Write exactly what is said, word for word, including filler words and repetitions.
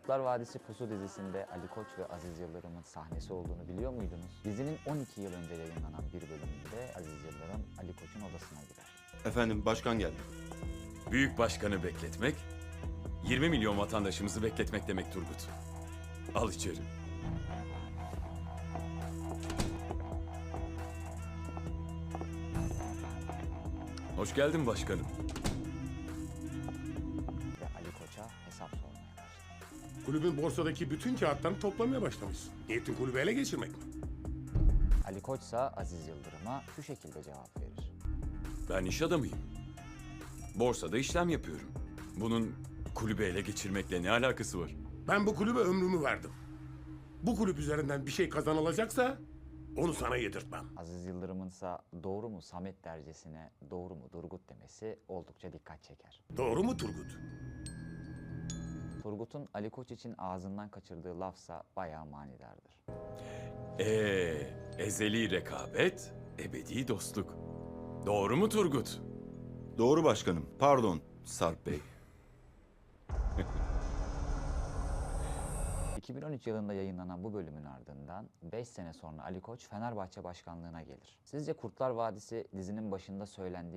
Kurtlar Vadisi Pusu dizisinde Ali Koç ve Aziz Yıldırım'ın sahnesi olduğunu biliyor muydunuz? Dizinin on iki yıl önce yayınlanan bir bölümünde Aziz Yıldırım Ali Koç'un odasına girer. Efendim başkan geldi. Büyük başkanı bekletmek, yirmi milyon vatandaşımızı bekletmek demek Turgut. Al içeri. Hoş geldin başkanım. Ve Ali Koç'a hesap sormaya başlar. Kulübün borsadaki bütün kağıtlarını toplamaya başlamışsın. Niyetin kulübü ele geçirmek mi? Ali Koç ise Aziz Yıldırım'a şu şekilde cevap verir. Ben iş adamıyım. Borsada işlem yapıyorum. Bunun kulübü ele geçirmekle ne alakası var? Ben bu kulübe ömrümü verdim. Bu kulüp üzerinden bir şey kazanılacaksa onu sana yedirtmem. Aziz Yıldırım'ın ise doğru mu Samet dercesine doğru mu Durgut demesi oldukça dikkat çeker. Doğru mu Turgut? Turgut'un Ali Koç için ağzından kaçırdığı lafsa bayağı manidardır. Ee, ezeli rekabet, ebedi dostluk. Doğru mu Turgut? Doğru başkanım. Pardon Sarp Bey. iki bin on üç yılında yayınlanan bu bölümün ardından beş sene sonra Ali Koç Fenerbahçe başkanlığına gelir. Sizce Kurtlar Vadisi dizinin başında söylendiği